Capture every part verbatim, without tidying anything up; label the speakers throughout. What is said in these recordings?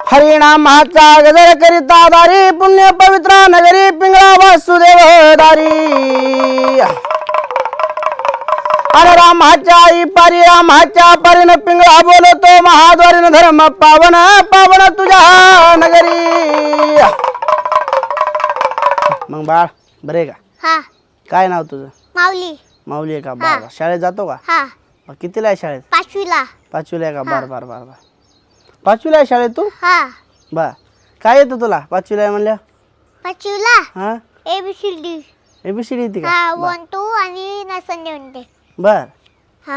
Speaker 1: हरिनामाचा गजर करिता दारी पुण्य पवित्र नगरी पिंगळा वासुदेव दारी अरे रामाच्या आई पारी रामाच्या पारीन पिंगळा बोलतो महाद्वारीन धर्म पावन पावन तुझ्या नगरी। मग बाळ बरे का?
Speaker 2: हा
Speaker 1: काय नाव तुझं?
Speaker 2: माऊली।
Speaker 1: माऊली आहे का? बार शाळेत जातो का?
Speaker 2: हा
Speaker 1: मग कितीला आहे शाळेत?
Speaker 2: पाचवीला।
Speaker 1: पाचवीला आहे का? बार बार बार बार पाचवीला आहे शाळेत तू?
Speaker 2: हा
Speaker 1: बर काय येतं तुला पाचवीला आहे म्हणल्या?
Speaker 2: पाचवीला
Speaker 1: हा
Speaker 2: A B C D
Speaker 1: ABCD येते का?
Speaker 2: हा वन टू आणि नसन देऊन
Speaker 1: बर
Speaker 2: हा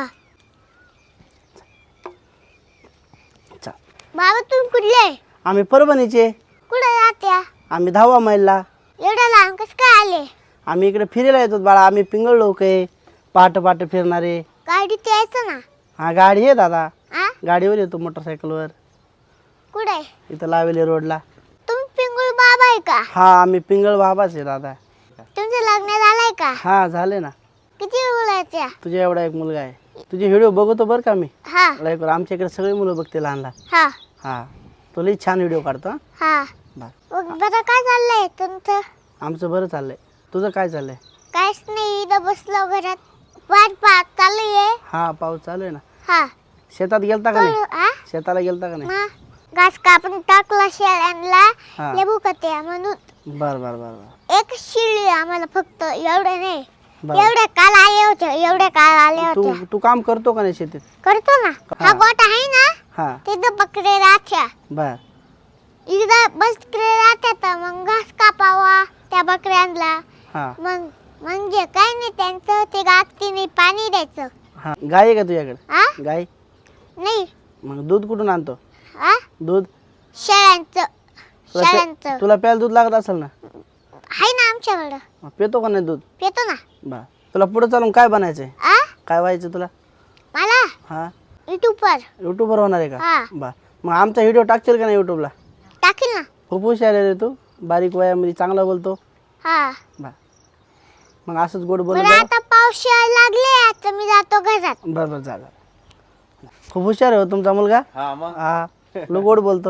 Speaker 1: चल
Speaker 2: बाबा तुम्ही कुठले?
Speaker 1: आम्ही परभणीचे।
Speaker 2: कुठे राहत्या?
Speaker 1: आम्ही दहावा मैलला।
Speaker 2: एवढ्या लांब कस काय आले?
Speaker 1: आम्ही इकडे फिरायला येतो बाळा, आम्ही पिंगळ लोक आहे, पहाटे पहाटे फिरणारे।
Speaker 2: गाडीत यायचं ना।
Speaker 1: हा गाडी आहे दादा,
Speaker 2: आ
Speaker 1: गाडीवर येतो मोटरसायकलवर।
Speaker 2: कुठे?
Speaker 1: इथं लावेली रोडला।
Speaker 2: तुम्ही पिंगुळ बाबा आहे का?
Speaker 1: हा आम्ही पिंगळ बाबाच आहे दादा।
Speaker 2: तुमचं लग्न झालंय का?
Speaker 1: हा झाले ना।
Speaker 2: किती मुलाच्या?
Speaker 1: तुझ्या एवढा एक मुलगा आहे। तुझे व्हिडिओ बघतो बरं का मी
Speaker 2: हा
Speaker 1: लाईक वर। आमच्या इकडे सगळे मुलं बघते लहान लहान।
Speaker 2: हा
Speaker 1: हा तो लई छान व्हिडिओ काढतो। हा
Speaker 2: हा
Speaker 1: बर
Speaker 2: मग बरं काय चाललंय तुमचं?
Speaker 1: आमचं बरं चाललंय, तुझं काय चाललंय?
Speaker 2: काहीच नाही, इथं बसलो घरात। वाट पाहत चालू आहे।
Speaker 1: हा पाऊस चालू आहे ना।
Speaker 2: हा
Speaker 1: शेतात गेलता का नाही?
Speaker 2: आ
Speaker 1: शेताला गेलता का नाही?
Speaker 2: मग घास कापून टाकला शेळ्यांना
Speaker 1: हा.
Speaker 2: लेबू कत्या म्हणून
Speaker 1: बर बर बर बर
Speaker 2: एक शिळी आम्हाला फक्त एवढे नाही।
Speaker 1: बर
Speaker 2: एवढे काल आले होते, एवढे काल आले
Speaker 1: तू
Speaker 2: होते।
Speaker 1: तू काम करतो का नाही शेतीत?
Speaker 2: करतो ना।
Speaker 1: हा.
Speaker 2: हा गोठा आहे ना,
Speaker 1: हा
Speaker 2: तिथं बकरे राहत्या।
Speaker 1: बर
Speaker 2: इथं बकरे राहत्या तर मग घास कापावा त्या बकऱ्यांना।
Speaker 1: हा
Speaker 2: मग म्हणजे काय नाही, त्यांचं ते गातीने पाणी द्यायचं।
Speaker 1: हा गाय आहे का तुझ्याकडे?
Speaker 2: आ
Speaker 1: गाय
Speaker 2: नाही।
Speaker 1: मग दूध कुठून आणतो?
Speaker 2: आ
Speaker 1: दूध
Speaker 2: शेळ्यांचं
Speaker 1: तुला प्या-
Speaker 2: शेळ्यांचं
Speaker 1: तुला प्यायला दूध लागत असेल ना?
Speaker 2: आहे ना आमच्याकडं।
Speaker 1: मग पितो का नाही दूध?
Speaker 2: पितो ना।
Speaker 1: बर तुला पुढे चालून काय बनायचंय?
Speaker 2: आ
Speaker 1: काय व्हायचं तुला?
Speaker 2: मला
Speaker 1: हा
Speaker 2: युट्यूबवर
Speaker 1: युट्यूबवर होणार आहे का?
Speaker 2: हा
Speaker 1: बर मग आमचा व्हिडिओ टाकशील का नाही युट्यूबला?
Speaker 2: टाकील ना।
Speaker 1: खूप हुशार आहे रे तू, बारीक वयामध्ये चांगला बोलतो।
Speaker 2: हा
Speaker 1: बर मग असंच गोड बोलत
Speaker 2: बरं
Speaker 1: जा।
Speaker 2: आता पाऊस यायला लागले, आता मी जातो घरात।
Speaker 1: बर बर जा जा. खूप हुशार आहे हो तुमचा मुलगा।
Speaker 3: हा मग
Speaker 1: हा लो गोड बोलतो।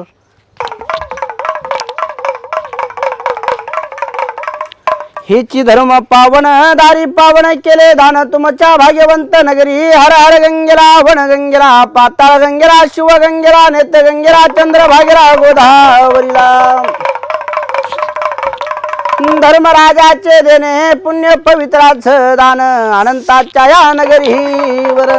Speaker 1: हेची धर्म पावन दारी पावन केले दान तुमच्या भाग्यवंत नगरी। हर हर गंगेला वन गंगेला पाताळ गंगेला शिव गंगेला नेत गंगेला चंद्र भागेला गोदावरीला। धर्मराजाचे देणे पुण्य पवित्राचं दान अनंताच्या या नगरीवर।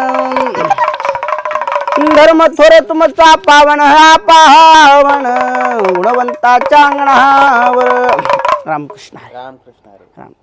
Speaker 1: धर्म थोर तुमचा पावन हा पावन गुणवंताच्या अंगणावर। रामकृष्ण हरी.
Speaker 3: रामकृष्ण हरी.
Speaker 1: राम